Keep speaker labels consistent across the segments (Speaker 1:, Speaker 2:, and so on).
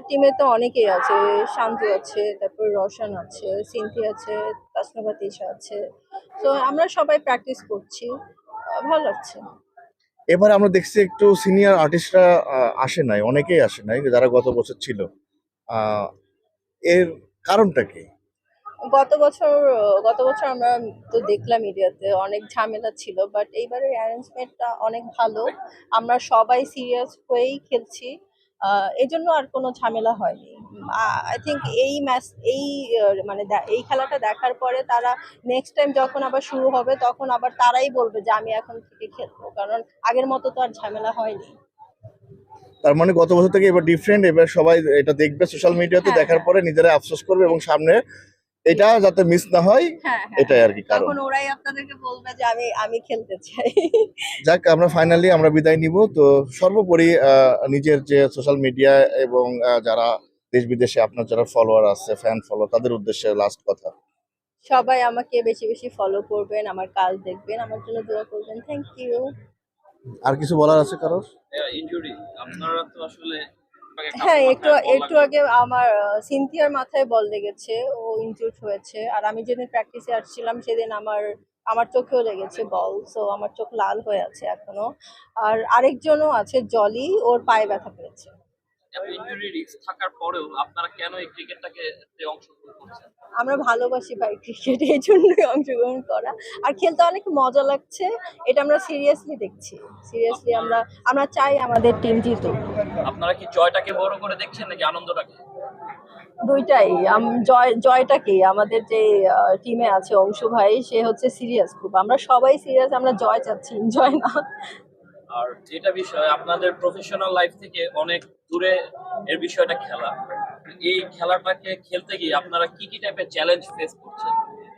Speaker 1: টিমে তো অনেকেই আছে, শান্তু আছে, তারপর রওশন আছে, সিনথি আছে, তাসনুভা তিশা আছে। তো আমরা সবাই প্র্যাকটিস করছি, ভালো লাগছে।
Speaker 2: এবার আমরা দেখছি একটু সিনিয়র আর্টিস্টরা আসে নাই, অনেকেই আসে নাই যারা গত বছর ছিল। আহ, এর কারণটা কি?
Speaker 1: গত বছর আমরা তো দেখলাম মিডিয়াতে অনেক ঝামেলা ছিল, বাট এইবারের অ্যারেঞ্জমেন্টটা অনেক ভালো। আমরা সবাই সিরিয়াস হয়েই খেলছি, এই জন্য আর কোনো ঝামেলা হয়নি। আই থিঙ্ক এই ম্যাচ এই মানে এই খেলাটা দেখার পরে তারা নেক্সট টাইম যখন আবার শুরু হবে তখন আবার তারাই বলবে যে আমি এখন থেকে খেলবো, কারণ আগের মতো তো আর ঝামেলা হয়নি।
Speaker 2: তার মানে গত বছর থেকে এবার ডিফারেন্ট, এবার সবাই এটা দেখবে সোশ্যাল মিডিয়াতে,
Speaker 1: হ্যাঁ,
Speaker 2: দেখার
Speaker 1: হ্যাঁ।
Speaker 2: পরে নিজেরা আফসোস করবে এবং সামনে এটা যাতে মিস না হয়,
Speaker 1: হ্যাঁ, হ্যাঁ,
Speaker 2: এটাই আর কি কারণ।
Speaker 1: তখন ওরাই আপনাদেরকে বলবে যে আমি খেলতে চাই।
Speaker 2: যাক, আমরা ফাইনালি আমরা বিদায় নিব। তো সর্বোপরি নিজের যে সোশ্যাল মিডিয়া এবং যারা দেশ বিদেশে আপনার যারা ফলোয়ার আছে, ফ্যান ফলো, তাদের উদ্দেশ্যে লাস্ট কথা।
Speaker 1: সবাই আমাকে বেশি বেশি ফলো করবেন, আমার কাজ দেখবেন, আমার জন্য দোয়া করবেন। Thank you.
Speaker 2: আর কিছু বলার আছে কারোর?
Speaker 3: ইনজুরি আপনারা তো আসলে
Speaker 1: হ্যাঁ, একটু আগে আমার সিনথিয়ার মাথায় বল লেগেছে, ও ইনজুর্ড হয়েছে। আর আমি যেদিন প্র্যাকটিসে আসছিলাম সেদিন আমার আমার চোখেও লেগেছে বল, সো আমার চোখ লাল হয়ে আছে এখনো। আর আরেকজনও আছে জলি, ওর পায়ে ব্যথা পেয়েছে।
Speaker 3: এত ইনজুরি রিস্ক থাকার পরেও আপনারা কেন এই ক্রিকেটটাকে অংশগ্রহণ করছেন?
Speaker 1: আমরা ভালোবাসি ভাই ক্রিকেট, এই জন্যই অংশগ্রহণ করা। আর খেলতে অনেক মজা লাগছে, এটা আমরা সিরিয়াসলি দেখছি। সিরিয়াসলি আমরা আমরা চাই আমাদের টিম জিতুক।
Speaker 3: আপনারা কি জয়টাকে বড় করে দেখছেন নাকি আনন্দটাকে?
Speaker 1: দুইটাই। জয়টাকেই, আমাদের যে টিমে আছে অংশু ভাই, সে হচ্ছে সিরিয়াস খুব। আমরা সবাই সিরিয়াস, আমরা জয় চাচ্ছি, এনজয় না।
Speaker 3: আর যেটা বিষয় আপনাদের প্রফেশনাল লাইফ থেকে অনেক দূরে এর বিষয়টা খেলা, এই খেলাটাকে খেলতে গিয়ে আপনারা কি কি টাইপের চ্যালেঞ্জ ফেস করছেন?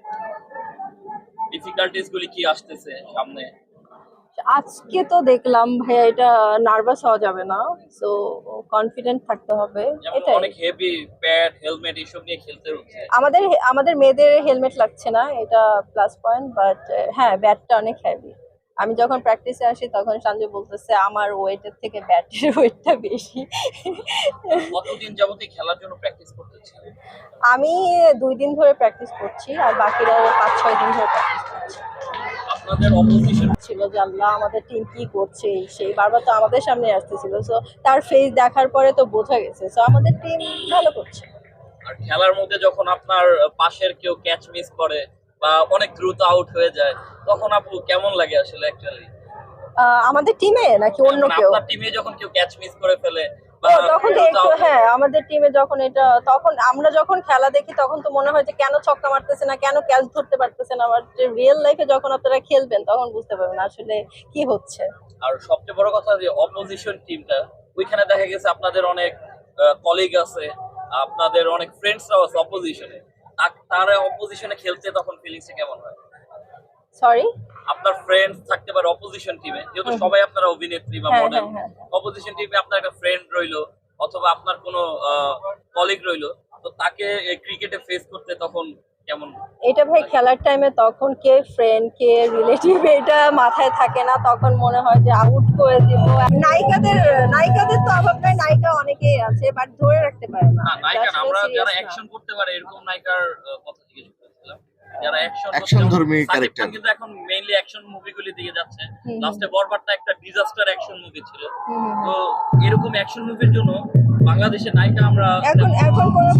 Speaker 3: ডিফিকাল্টিস গুলি কি আসতেছে সামনে?
Speaker 1: আজকে তো দেখলাম ভাইয়া, এটা নার্ভাস হওয়া যাবে না, সো কনফিডেন্ট থাকতে হবে,
Speaker 3: যেমন
Speaker 1: এটাই।
Speaker 3: অনেক হেভি প্যাড হেলমেট এসব নিয়ে খেলতে হচ্ছে।
Speaker 1: আমাদের আমাদের মেয়েদের হেলমেট লাগছে না, এটা প্লাস পয়েন্ট, বাট হ্যাঁ, ব্যাটটা অনেক হেভি। আমি যখন প্র্যাকটিসে আসি তখন সঞ্জয় বলতেছে আমার ওয়েটের থেকে ব্যাটের ওয়েটটা বেশি।
Speaker 3: কতদিন যাবতীয় খেলার জন্য প্র্যাকটিস করতেছেন?
Speaker 1: আমি 2 দিন ধরে প্র্যাকটিস করছি, আর বাকিরাও 5-6 দিন ধরে প্র্যাকটিস করছে।
Speaker 3: আপনাদের অপোজিশন
Speaker 1: ছিল যে আল্লাহ আমাদের টিম কি করছে, সেই বারবার তো আমাদের সামনে আসতেছিল, সো তার ফেস দেখার পরে তো বোঝা গেছে, সো আমাদের টিম ভালো করছে।
Speaker 3: আর খেলার মধ্যে যখন আপনার পাশের কেউ ক্যাচ মিস করে বা অনেক দ্রুত আউট হয়ে যায়, তখন আপু কেমন লাগে আসলে অ্যাকচুয়ালি?
Speaker 1: আমাদের টিমে নাকি অন্য কেউ?
Speaker 3: আপনার টিমে যখন কেউ ক্যাচ মিস করে ফেলে বা
Speaker 1: ও, তখন তো একটু, হ্যাঁ, আমাদের টিমে যখন এটা, তখন আমরা যখন খেলা দেখি তখন তো মনে হয় যে কেন ছক্কা মারতেছে না, কেন ক্যাচ ধরতে পারতেছে না। আবার রিয়েল লাইফে যখন আপনারা খেলবেন তখন বুঝতে পারবেন আসলে কি হচ্ছে।
Speaker 3: আর সবচেয়ে বড় কথা যে অপোজিশন টিমটা, ওইখানে দেখা গেছে আপনাদের অনেক কলিগ আছে, আপনাদের অনেক ফ্রেন্ডসরাও আছে অপোজিশনে। তারা অপোজিশনে খেলতে তখন ফিলিংসটা কেমন হয়?
Speaker 1: সরি।
Speaker 3: আপনার ফ্রেন্ডস থাকতে পারে অপোজিশন টিমে, যেহেতু সবাই আপনারা অভিনেত্রী বা
Speaker 1: হ্যাঁ,
Speaker 3: মডেল।
Speaker 1: হ্যাঁ, হ্যাঁ।
Speaker 3: অপোজিশন টিমে আপনার একটা ফ্রেন্ড রইলো অথবা আপনার কোনো কলিগ রইলো, তো তাকে ক্রিকেটে ফেস করতে তখন কেমন?
Speaker 1: এটা ভাই খেলার টাইমে তখন কে ফ্রেন্ড কে রিলেটিভ এটা মাথায় থাকে না, তখন মনে হয় যে আউট করে দিব। নায়িকাদের তো অভাব নাই, নায়িকা অনেকেই আছে, বাট ধরে রাখতে পারে না।
Speaker 3: না, নায়িকা না,
Speaker 1: আসলে
Speaker 3: আমরা
Speaker 1: serious
Speaker 3: যারা
Speaker 1: না।
Speaker 3: অ্যাকশন করতে পারে এরকম নায়িকার কথা জিজ্ঞেস করেছিলাম। যারা
Speaker 2: Action ধর্মী character।
Speaker 3: কিন্তু এখন মেইনলি অ্যাকশন মুভিগুলি দিকে যাচ্ছে।
Speaker 1: হুম।
Speaker 3: লাস্টে বরবাদটা একটা ডিজাস্টার অ্যাকশন মুভি ছিল।
Speaker 1: হুম।
Speaker 3: তো এরকম অ্যাকশন মুভির জন্য বাংলাদেশের নায়িকা আমরা
Speaker 1: এখন কোনো